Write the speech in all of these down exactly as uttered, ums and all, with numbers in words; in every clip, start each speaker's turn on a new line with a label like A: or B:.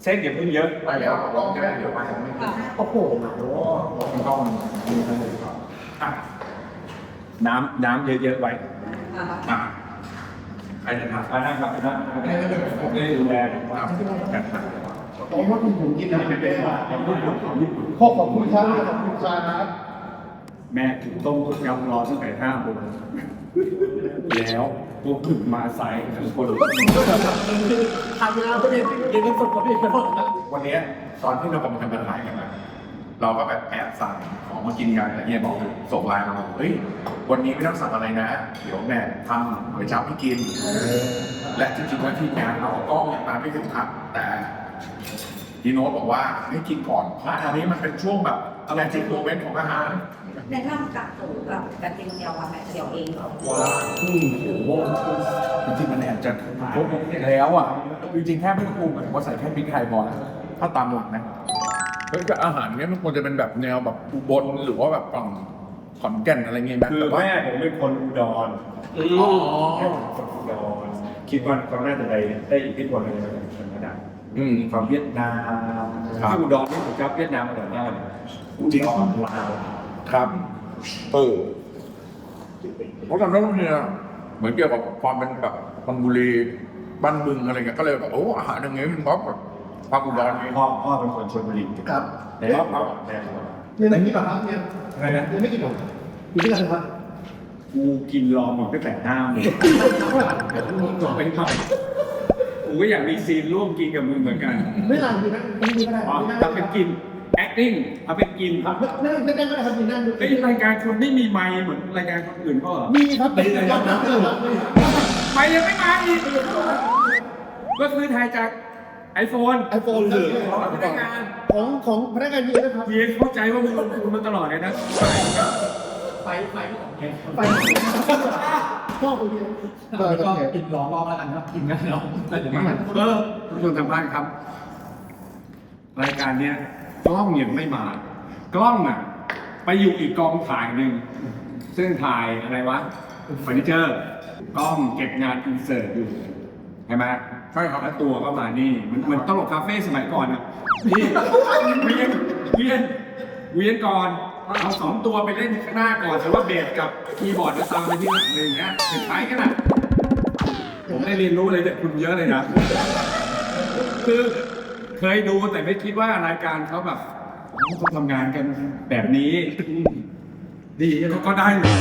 A: เส้นอย่าเพิ่งเยอะ
B: ไปแล้วลองแค่เดี๋ยวไปไม่ได้โอ้โหมันต้องมีอะไรก่อนอ่ะ
A: น้ำน้ำเยอะๆไว้
B: อ่ะ
A: ใครจะทำอ่านะครับนะผมได้ดูแลครับกันครับ
B: ผมว่าคุณผมกินอะไรเป็นว่าขอบคุณขอบคุณครับขอบคุณครับ
A: แม่ถึงต้มยำรอตั้งแต่ห้าโมงแล้วพวกถึงมาใส่ทุกคน
C: ทำงานก็ได้ยินกันสดก็ได้ไปหมดนะ
B: วันนี้ตอนที่เรากำลังทำการถ่ายกันนะเราก็แบบแอบสั่งของมากินกันแต่เฮียบอกส่งไลน์มาบอกเฮ้ยวันนี้ไม่ต้องสั่งอะไรนะ เดี๋ยวแม่ทำก๋วยจั๊บให้กิน และจริงๆว่าที่งานเราก็มาไม่ถึงครับแต่พี่โน้ตบอกว่าให้กินก่อนเพราะอันนี้มันเป็นช่วงแบบอะไรจริงโมเมนต์ของอาหาร
D: แนะนำกับหนูกับกระเทียมเจียวกับแม่เจียวเองเหรอ
B: ว้าอืมโอ้โหจริงๆมันแอบจะครบแล้วอ่ะจริงๆแค่ไม่ต้องปรุงผมว่าใส่แค่พริกไทยพอแล้วถ้าตามหลักนะเฮ้ยอาหารเนี้ยมันควรจะเป็นแบบแนวแบบอุบลหรือว่าแบบฝั่งขอนแก่นอะไรเงี้ยแบบ
A: คือแม่ผมเป็นคนอุดร
B: อ๋อ
A: คนอุดรคิดว่าเขาน่าจะได้ได้อิทธิพลอะไรมาจากธรรมดา
B: อืม
A: ความเวียดนามที่อุดรนี่ผมชอบเวียดนามอร่อยมากเลย
B: จริง
A: อุดรลาว
B: ครับเออเพราะตอนนั้นเนี่ยเหมือนเกี่ยวกับความเป็นแบบบางบุรีบ้านบึงอะไรเงี้ยก็เลยแบบโอ้อาหารอย่างเงี้ยมันแบบความอุดรนี่
A: พ่อพ่อเป็นคนชลบุรี
E: ครับ
A: แต่ว่าพ่อแม่
E: เนี่ยไหนนี่ป่ะครับเนี่ย
A: อะไรนะ
E: ยังไม่กินหรอกอยู่ด้วยกันครับ
A: กูกินรอหมดตั้งแต่ห้าโมงก่อนไปทำกูก็อยากมีซีนร่วมกินกับมึงเหมือนกัน
E: ไม่นานดีนะไม่ดีก็ได้
A: อ๋อ
E: ไม่นาน
A: ถ้าเป็นกิน acting เอาเป็นกิน
E: ครับนั่งนั่งก็ได้ครับมีนั่งดู
A: ไอ้รายการคนไม่มีไมค์เหมือนรายการคนอื่นก็เหรอ
E: มีครับเป็นรายการนะ
A: ไมค์ยังไม่มาอีกก็คือถ่ายจากไอโฟน
E: ไอโฟนเลย
A: ของพนักงาน
E: ของของพนักงานมีนะครับ
A: เพียงเข้าใจว่ามึงลงทุนมาตลอดเลยนะ
C: ไฟไฟไม่ของแก
E: ไปพ่อคนเดียว
C: ก็กินรองรอบแล้วกันนะกินกันเนาะแต่เดี๋ยวมัน
A: เออทุกคนทางบ้านครับ รายการเนี้ยกล้องยังไม่มา กล้องอ่ะ ไปอยู่อีกกองถ่ายหนึ่งซึ่งถ่ายอะไรวะเฟอร์นิเจอร์กล้องเก็บงานอินเสิร์ตอยู่ใช่ไหมใช่ครับแล้วตัวก็มานี่มันเหมือนตลกคาเฟ่สมัยก่อนอ่ะนี่เวียนเวียนเวียนก่อนเอาสองตัวไปเล่นข้างหน้าก่อนแต่ว่าเบสกับคีย์บอร์ดจะตามไปที่หลังอะไรอย่างเงี้ยเป็นใช้กันอ่ะผมได้เรียนรู้อะไรจากคุณเยอะเลยนะ คือเคยดูแต่ไม่คิดว่ารายการเขาแบบเขาทำงานกันแบบนี้ ดีเขาก็ได้เลย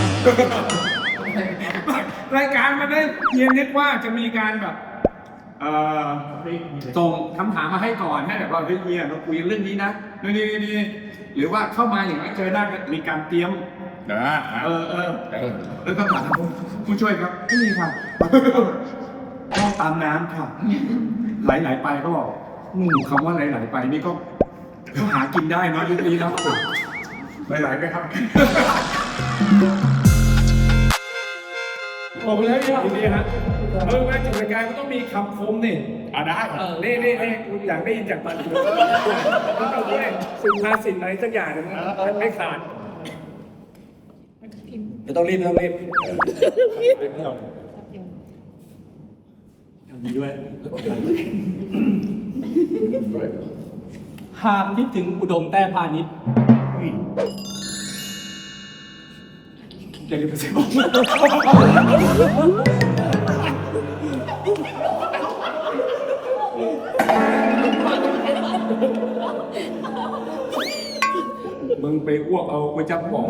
A: รายการมันได้เพียงนึกว่าจะมีการแบบเอ่อส่งคำถามมาให้ก่อนให้แบบว่าเฮ้ยเฮียเราคุยเรื่องนี้นะนี่นี่นี่หรือว่าเข้ามาอย่างนั้นเจอหน้ากันมีการเตรียม
B: นะ
A: เออเออแล้วก็ถามผู้ช่วยครับไม่มีครับต้องตามน้ำครับไหลๆไปก็บอกอืมคำว่าไหลๆไปนี่ก็ก็หากินได้เนอะยุคนี้เนอะ
B: หลายๆไหมครับ
A: บอกไปแล้วเนี่ยทีนี้ฮะเออมาจัดรายการก็ต้องมีคำคมนี่อ่ะได้เน่เน่เน่คุณอยากได้ยินจากมันต้องเอาด้วยสุภาษิตอะไรสักอย่างหนึงนะไม่ขาดไม่ต้องรีบไม่ต้องรีบมีด้วย
C: หากคิดถึงอุดมแต้พาณิชย์
A: อย่าลืมไปซื้อของมึงไปอ้วกเอาไปจับของ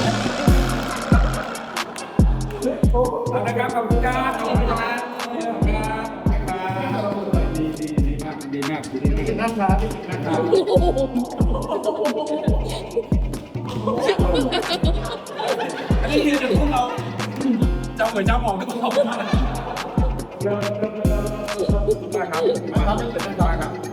A: เอาละครับขอบคุณครับขอบคุณครับดีดีดีมากดีมากดีมาก
E: นะครับ
A: นะครับอันนี้คือพวกเราจำเหมือนจำออกทุกคนได้ครับได้ครับได้ครับ